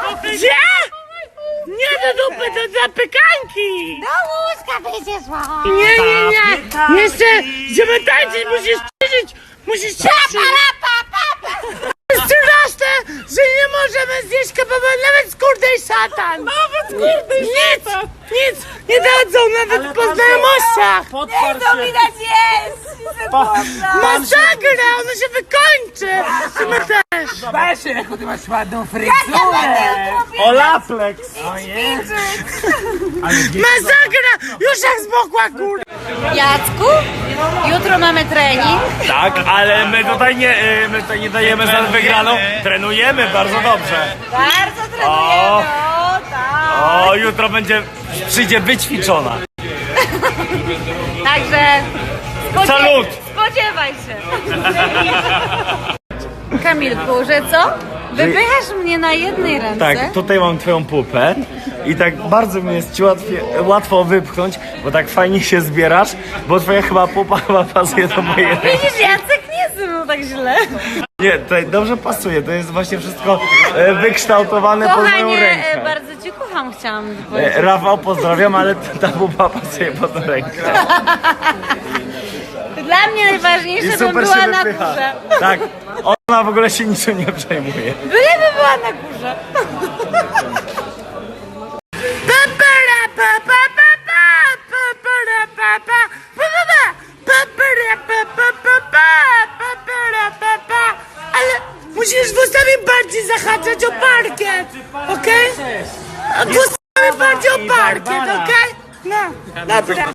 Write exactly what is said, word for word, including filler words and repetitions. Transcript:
Gdzie? Nie do dupy, to dla pykanki! Do łóżka będzie szła. Nie, nie, nie! Jeszcze, żeby tańczyć, musisz ćwiczyć! Musisz ćwiczyć! Straszne, że nie możemy zjeść kebaba nawet z kurdej szatan! Nawet z kurdej nic, szatan! Nic, nie dadzą nawet po znajomościach! Nie to widać jest! Masakra, ono się wykończy! Ty my też! Patrzcie, jaką ty masz ładną fryzurę! Olaplex! Masakra! Już jak zmokła kurda! Jacku, jutro mamy trening. Tak, ale my tutaj nie, y, my tutaj nie dajemy za wygraną. Trenujemy bardzo dobrze. Bardzo trenujemy, O. o tak. O, jutro będzie, przyjdzie wyćwiczona. Także spodzie- Salut! spodziewaj się. Kamilku, że co? Wypychasz mnie na jednej ręce? Tak, tutaj mam twoją pupę i tak bardzo mi jest ci łatwiej, łatwo wypchnąć, bo tak fajnie się zbierasz, bo twoja chyba pupa chyba pasuje do mojej ręki. Widzisz, Jacek nie zmył tak źle. Nie, tutaj dobrze pasuje, to jest właśnie wszystko e, wykształtowane pod moją Kochanie, rękę. e, bardzo cię kocham, chciałam powiedzieć. E, Rafał, pozdrawiam, ale ta pupa pasuje pod rękę. Dla mnie najważniejsze, I bym super była się na wypycha. górze. Tak, ona w ogóle się niczym nie przejmuje. Byleby była na górze. Papara, pa, pa, pa, pa, papara, pa, pa, pa, pa, pa, papara, pa, pa, pa, pa, papara, pa, pa. Ale musisz włosami bardziej zahaczać o parkiet, okej? Włosami bardziej o parkiet, okej? No, dobra.